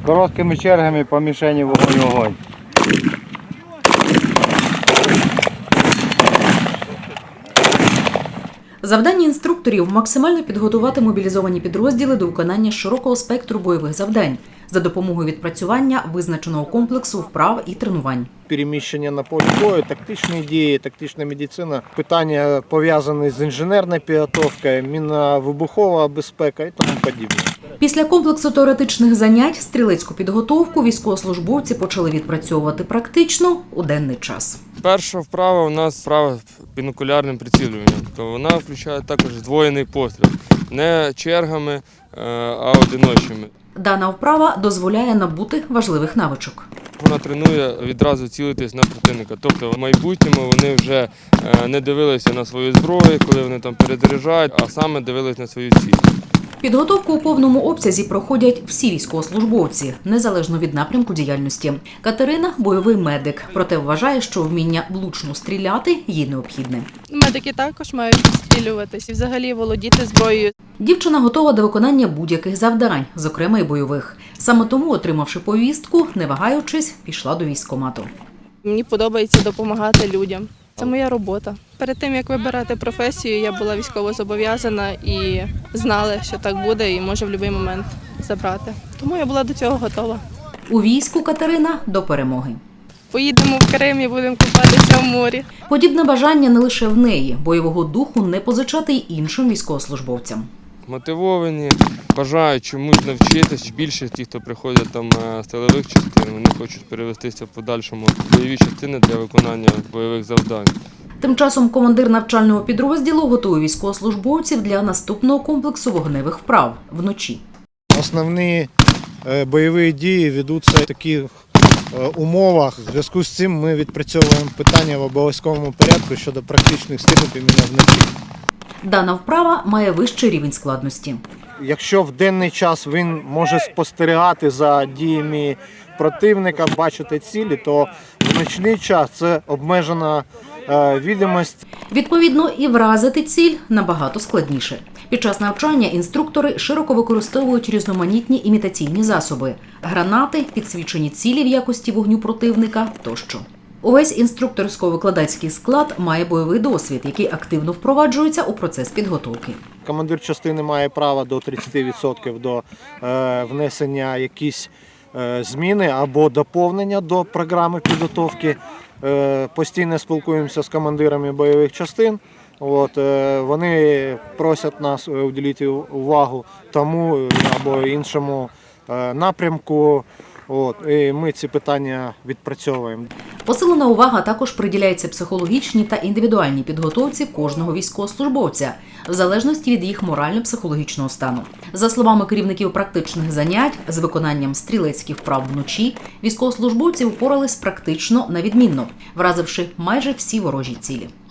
Короткими чергами по мішені вогонь. Завдання інструкторів – максимально підготувати мобілізовані підрозділи до виконання широкого спектру бойових завдань за допомогою відпрацювання визначеного комплексу вправ і тренувань. Переміщення на полі бою, тактичні дії, тактична медицина, питання пов'язані з інженерною підготовкою, мінно-вибухова безпека і тому подібне. Після комплексу теоретичних занять стрілецьку підготовку військовослужбовці почали відпрацьовувати практично у денний час. Перша вправа у нас вправа бінокулярним прицілюванням. Вона включає також здвоєний постріл, не чергами, а одиночними. Дана вправа дозволяє набути важливих навичок. Вона тренує відразу цілитись на противника. Тобто в майбутньому вони вже не дивилися на свою зброю, коли вони там перезаряджають, а саме дивились на свою ціль. Підготовку у повному обсязі проходять всі військовослужбовці, незалежно від напрямку діяльності. Катерина – бойовий медик, проте вважає, що вміння влучно стріляти їй необхідне. Медики також мають стрілюватись і взагалі володіти зброєю. Дівчина готова до виконання будь-яких завдань, зокрема й бойових. Саме тому, отримавши повістку, не вагаючись, пішла до військкомату. Мені подобається допомагати людям. Це моя робота. Перед тим, як вибирати професію, я була військово зобов'язана і знала, що так буде і може в будь-який момент забрати. Тому я була до цього готова. У війську Катерина до перемоги. Поїдемо в Крим і будемо купатися в морі. Подібне бажання не лише в неї. Бойового духу не позичати й іншим військовослужбовцям. Мотивовані, бажають чомусь навчитись. Більше ті, хто приходять там з тилових частин, вони хочуть перевестися в подальшому в бойові частини для виконання бойових завдань. Тим часом командир навчального підрозділу готує військовослужбовців для наступного комплексу вогневих вправ вночі. Основні бойові дії ведуться в таких умовах. В зв'язку з цим ми відпрацьовуємо питання в обов'язковому порядку щодо практичних стрільб іменно вночі. Дана вправа має вищий рівень складності. Якщо в денний час він може спостерігати за діями противника, бачити цілі, то в нічний час це обмежена відомість. Відповідно, і вразити ціль набагато складніше. Під час навчання інструктори широко використовують різноманітні імітаційні засоби – гранати, підсвічені цілі в якості вогню противника тощо. Увесь інструкторсько-викладацький склад має бойовий досвід, який активно впроваджується у процес підготовки. Командир частини має право до 30% до внесення якісь зміни або доповнення до програми підготовки. Постійно спілкуємося з командирами бойових частин. Вони просять нас уділити увагу тому або іншому напрямку. І ми ці питання відпрацьовуємо. Посилена увага також приділяється психологічній та індивідуальній підготовці кожного військовослужбовця, в залежності від їх морально-психологічного стану. За словами керівників практичних занять, з виконанням стрілецьких вправ вночі військовослужбовці впорались практично на відмінно, вразивши майже всі ворожі цілі.